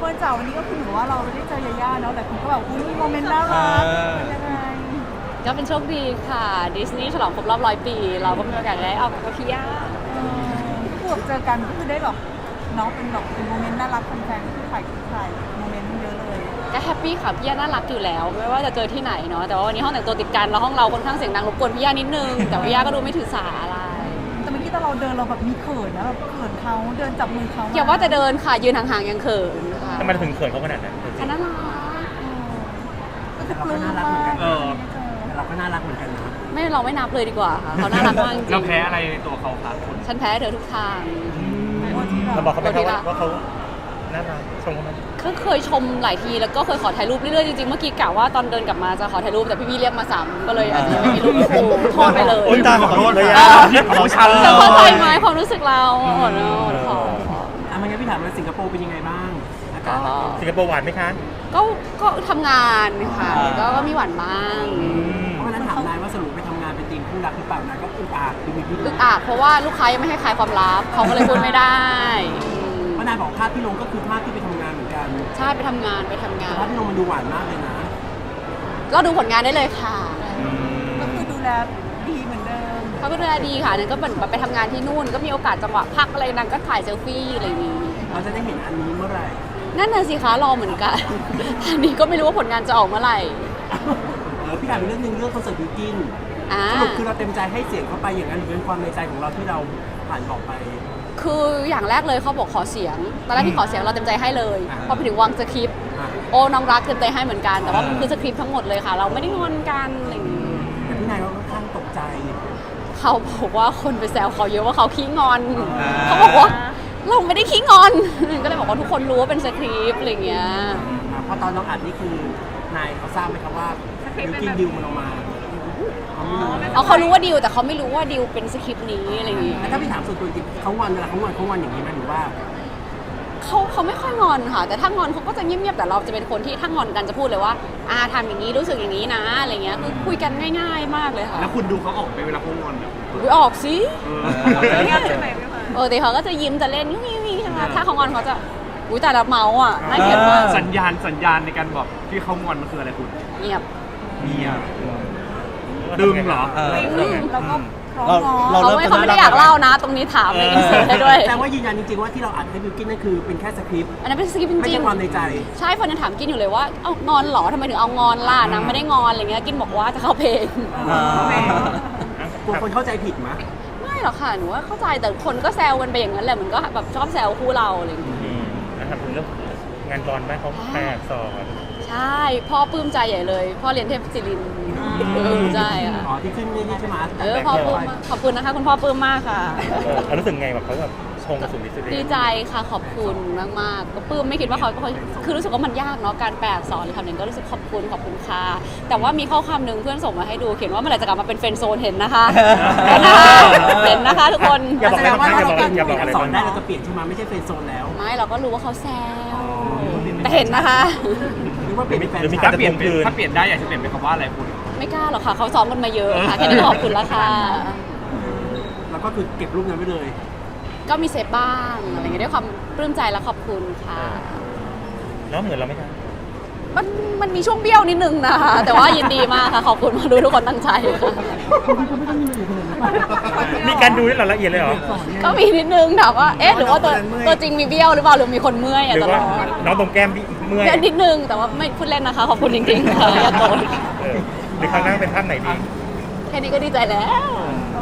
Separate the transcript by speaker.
Speaker 1: จากวันนี้ก็คือถือว่าเราได้เจอยาย่าเนาะแต่คุณก็แบบอุ้ยมีโมเมนต์น่ารักเป็นยังไง
Speaker 2: ก็เป็นโชคดีค่ะดิสนีย์ฉลองครบรอบ100 ปีเราก็มีโอกาสได้ออกกับพี่ย่า
Speaker 1: ก็คือเจอกันก็คือได้แบบเนาะเป็นแบบเป็นโมเมนต์น่ารักแฟนๆก็คือถ่ายโมเมนต์เยอะเลย
Speaker 2: ก็แฮปปี้ค่ะพี่ย่าน่ารักอยู่แล้วไม่ว่าจะเจอที่ไหนเนาะแต่ว่าวันนี้ห้องแต่งตัวติดกันแล้วห้องเราค่อนข้างเสียงดังรบกวนพี่ย่านิดนึงแต่พี่ย่าก็ดูไม่ถือสาอะไร
Speaker 1: แต่เมื่อกี้ตอนเราเดินเราแบบมีเขินนะแบบเขินเขาเดินจับมือเขา
Speaker 2: อย่าว่าแต่เดินค่ะยืนห่างๆยังเขินค่ะ
Speaker 3: ทำไมถึงเขินเขาขนาดนั้น
Speaker 2: อันนั้นรัก
Speaker 1: ก็คือปลื้มมาก
Speaker 4: แต่เราก็น่ารักเหมือนกันนะ
Speaker 2: ไม่เราไม่นับเลยดีกว่าค่ะเขาน่ารักมากจริง
Speaker 5: เราแพ้อะไรในตัวเขาครับคุณ
Speaker 2: ฉันแพ้เธอทุกทาง
Speaker 3: เราบอกเขาไปว่าเขาน่ารักชมเขาไหม
Speaker 2: ก็เคยชมหลายทีแล้วก็เคยขอถ่ายรูปเรื่อยๆจริงๆเมื่อกี้กะว่าตอนเดินกลับมาจะขอถ่ายรูปแต่พี่ๆเรียกมาซ้ำก็เลยอาจจะยังไม่มีรูปคู่โทษไปเลย
Speaker 3: โอ๊ยตาขอโทษเลย
Speaker 5: ของฉัน
Speaker 2: เธอเข้าใจไหมความรู้สึกเราขอ
Speaker 4: มันงั้นพี่ถามว่าสิงคโปร์เป็นยังไงบ้างอากาศ
Speaker 3: สิงคโปร์หวานไหมคะ
Speaker 2: ก็ทำงานค่ะก็มีหวานบ้าง
Speaker 4: เพราะวันนั้นถามนายว่าสรุปไปทำงานเป็นทีมคู่รักหรือเปล่านายก็อึกอักคือมีพิรุ
Speaker 2: อึ
Speaker 4: ธ
Speaker 2: กอักเพราะว่าลูกค้ายังไม่ให้ขายความลับเขาก็เลยพูดไม่ได้
Speaker 4: เพราะนายบอกภาพที่ลงก็คือภาพที่ไปทำงานเหมือนกัน
Speaker 2: ใช่ไปทำงาน
Speaker 4: แต่ภาพที่ลงมันดูหวานมากเลยนะ
Speaker 2: ก็ดูผลงานได้เลยค่ะ
Speaker 1: ก็คือดูแลดีเหมือนเดิม
Speaker 2: เขาก็ดูแลดีค่ะนั่นก็เหมือนไปทำงานที่นู่นก็มีโอกาสจังหวะพักอะไรนางก็ถ่ายเซลฟี่อะไรอย่างนี้
Speaker 4: เราจะได้เห็นอันนี้เมื่อไหร่
Speaker 2: นั่นน่ะสิคะรอเหมือนกัน อันนี้ก็ไม่รู้ว่าผลงานจะออกเมื่อไหร่
Speaker 4: พี่ถามอีกเรื่องหนึงเรื่องคอนเสิร์ตบิวกินสรุปคือเราเต็มใจให้เสียงเข้าไปอย่างนั้นหรือเป็นความในใจของเราที่เราผ่านบอกไป
Speaker 2: คืออย่างแรกเลยเขาบอกขอเสียงตอนแรกที่ขอเสียงเราเต็มใจให้เลย
Speaker 4: อ่า
Speaker 2: พอไปถึงวางสคริปต์
Speaker 4: อ่ะ
Speaker 2: โอ้น้องรักเต็มใจให้เหมือนกันแต่ว่ามันคือสคริปต์ทั้งหมดเลยค่ะ เราไม่ได้งอนกันอะไรอย่างนี้
Speaker 4: แต่พี่นายก็ค่อนข้างตกใจ
Speaker 2: เขาบอกว่าคนไปแซวเขาเยอะว่าเขาขี้งอน เขาบอกว่าเราไม่ได้ขี้งอน ก็เลยบอกว่าทุกคนรู้ว่าเป็นสคริปต์อะไรอย่างเงี้ย
Speaker 4: เพราะตอนน้องอัดนี่คือนายเขาทราบไหมครับว่าบิวกินดิวมันออกมาเขาไม่รู้
Speaker 2: เอาเขารู้ว่าดิวแต่เขาไม่รู้ว่าดิวเป็นสคริปต์นี้อะไรอย่างงี้
Speaker 4: แล้วถ้าพี่ถามส่วนตัวจริงเขางอนเวลาเขางอนอย่างนี้ไหมหรือว่า
Speaker 2: เขาไม่ค่อยงอนค่ะ แต่ถ้างอนเขาก็จะเงียบๆแต่เราจะเป็นคนที่ถ้างอนกันจะพูดเลยว่าทำอย่างนี้รู้สึกอย่างนี้นะอะไรเงี้ยคือคุยกันง่าย ๆ มากเลยค่ะ
Speaker 5: แล้วคุณดูเขาออกไปเวลาเขางอนแบบ
Speaker 2: อุ๊ยออกสิ
Speaker 1: เงียบใช่ไหมพี่พาย
Speaker 2: แต่เขาก็จะยิ้มจะเล่นยิ้มใช่ไหมถ้าเขางอนเขาจะอุ้ยแต่ละเมาส์อ่ะน่าเกลียดมาก
Speaker 5: สัญญาณในการบอกที่เขางอนมันคืออะไรคุณ
Speaker 2: เงียบ
Speaker 5: เงียบดึงเหรอ
Speaker 1: แล้วก็พร้อมง้อ
Speaker 2: เขาไม่ได้อยากเล่านะ ตรงนี้ถามเลยอินเสิร์ตให้ด้วย
Speaker 4: แต่ว่ายืนยันจริงๆว่าที่เราอัดให้บิวกินนั่นคือเป็นแค่สคริปต์
Speaker 2: อันนั้นเป็นสคริปต์จ
Speaker 4: ไม่
Speaker 2: ริ
Speaker 4: ใช่
Speaker 2: ง
Speaker 4: ความในใจ
Speaker 2: ๆใช่คนยังถามกินอยู่เลยว่าเอางอนเหรอทำไมถึงเอางอนล่ะนางไม่ได้งอนอะไรเงี้ยกินบอกว่าจะเข้าเพลง
Speaker 4: กลัวคนเข้าใจผิดไหม
Speaker 2: ไม่หรอกค่ะหนูว่าเข้าใจแต่คนก็แซวกันไปอย่างนั้นแหละมันก็แบบชอบแซวคู่เราอะไรอย่างเงี้ย
Speaker 3: นะครับเรื่องงานบอลไหมเขาแปลสอน
Speaker 2: ใช่พ่อปลื้มใจใหญ่เลย พ่อเรียนเทพศิรินทร์ใช่ค่ะ
Speaker 4: อ๋อที่ขึ้นนี่ใช่ไหม
Speaker 2: พ่อปลื้มมากขอบคุณนะคะคุณพ่อปลื้มมากค่ะ
Speaker 3: เขารู้สึกไงแบบเขาแบบชงกระสุนดิส
Speaker 2: ดีใจค่ะขอบคุณมากๆก็ปลื้มไม่คิดว่าเขาคือรู้สึกว่ามันยากเนาะการแปลอักษรหรือคำหนึ่งก็รู้สึกขอบคุณค่ะแต่ว่ามีข้อความหนึ่งเพื่อนส่งมาให้ดูเขียนว่าเมื่อไหร่จะกลับมาเป็นเฟรนด์โซนเห็นนะคะเห็นนะคะทุกคน
Speaker 3: อย่าบอก
Speaker 4: แส
Speaker 3: อะไร
Speaker 4: ดงว่า
Speaker 3: บ้าง
Speaker 4: ถ้า
Speaker 3: อย่า
Speaker 4: เรา
Speaker 3: บอก
Speaker 4: เปลี่ยน
Speaker 3: อย่าบอกอะไร
Speaker 4: สอนได้
Speaker 3: บ้าง
Speaker 4: เราจะเปลี่ยนใช่ไหมไม่ใช่เป็นโซนแล้ว
Speaker 2: ไม่เราก็รู้ว่าเขาแซวแต่เห็นนะคะ
Speaker 4: หรือว่าเปลี่ยนเป็นแฟน
Speaker 3: หรือมี
Speaker 4: ชา
Speaker 3: การ
Speaker 4: ย
Speaker 3: จะทวงคืน
Speaker 5: ถ้าเปลี่ยนได้อยากจะเปลี่ยนเป็นคำว่าอะไรคุณ
Speaker 2: ไม่กล้าหรอกค่ะเขาซ้อมกันมาเยอะค่ะแค่นี้ก็ขอบคุณแล้วค่ะ
Speaker 4: แล้วก็คือเก็บรูปนั้นไว้เลย
Speaker 2: ก็มีเซฟบ้างอะไรอย่างเงี้ยด้วยความปลื้มใจและขอบคุณค่ะ
Speaker 3: แล้วเหมือนเราไหมคะ
Speaker 2: มันมีช่วงเบี้ยวนิดนึงนะคะแต่ว่ายินดีมากค่ะขอบคุณมาดูทุกคนตั้งใจค่ะ
Speaker 3: มีการดูด้วยเหรอละเอียดเลยเหรอ
Speaker 2: ก็มีนิดนึงถามว่าเอ๊ะหรือว่าตัวจริงมีเบี้ยวหรือเปล่าหรือมีคนเมื่อย
Speaker 3: ห
Speaker 2: อ่ะ
Speaker 3: รือ
Speaker 2: ตล
Speaker 3: ว่า
Speaker 2: อด
Speaker 3: น้องตรงแก้มเมื่อย
Speaker 2: เบี้ยวนิดนึงแต่ว่าไม่พูดเล่นนะคะขอบคุณจริงๆค่ะอย่าโกรธ
Speaker 3: หรือครั้งหน้าเป็นภาพไหนดี
Speaker 2: แค่นี้ก็ดีใจแล้ว
Speaker 3: อ